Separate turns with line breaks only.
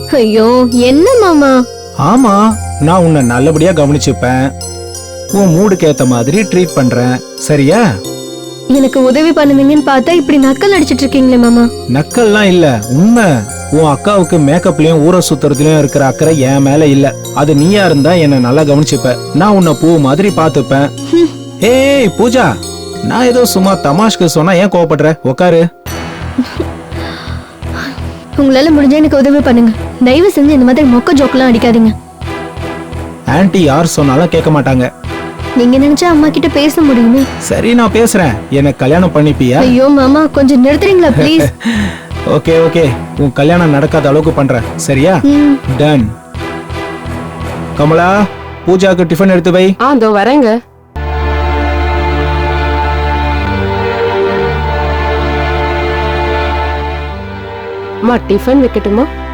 ஐயோ என்ன மாமா?
ஆமா, நான் உன்னை நல்லபடியா கவனிச்சுப்பேன். உன் மூடுக்கு ஏத்த மாதிரி ட்ரீட் பண்றேன். சரியா?
எனக்கு உதவி பண்ணுவீங்கன்னு பார்த்தா இப்படி நக்கல் அடிச்சிட்டு இருக்கீங்களே மாமா.
நக்கல்லாம் இல்ல, உண்மை. உன் அக்காவுக்கு மேக்கப்லயும் ஊரை சுத்துறதுலயும் இருக்கிற அக்கறை என் மேல இல்ல. அது நீயா இருந்தா என்ன நல்லா கவனிச்சுப்ப. நான் உன்னை பூ மாதிரி பாத்துப்பேன். ஏய் பூஜா, நான் ஏதோ சும்மா தமாஷ்க்கு சொன்னா ஏன் கோவப்படுற? உக்காரு.
உங்களால முடிஞ்ச எனக்கு உதவி பண்ணுங்க. தயவு செஞ்சு இந்த மாதிரி மொக்க ஜோக்கெல்லாம் அடிக்காதீங்க.
ஆன்ட்டி யார் சொன்னாலும் கேட்க மாட்டாங்க.
நீங்க நினைச்சா அம்மா கிட்ட பேச முடியுமே.
சரி, நான் பேசுறேன். எனக்கு கல்யாணம் பண்ணிப்பியா?
ஐயோ மாமா, கொஞ்சம் நிறுத்துறீங்களா ப்ளீஸ்?
ஓகே ஓகே, உன் கல்யாணம் நடக்காத அளவுக்கு பண்றேன். சரியா? டன். கமலா, பூஜாக்கு டிஃபன் எடுத்து வை.
அதோ வரேங்க. டிஃபன் வைக்கட்டுமா?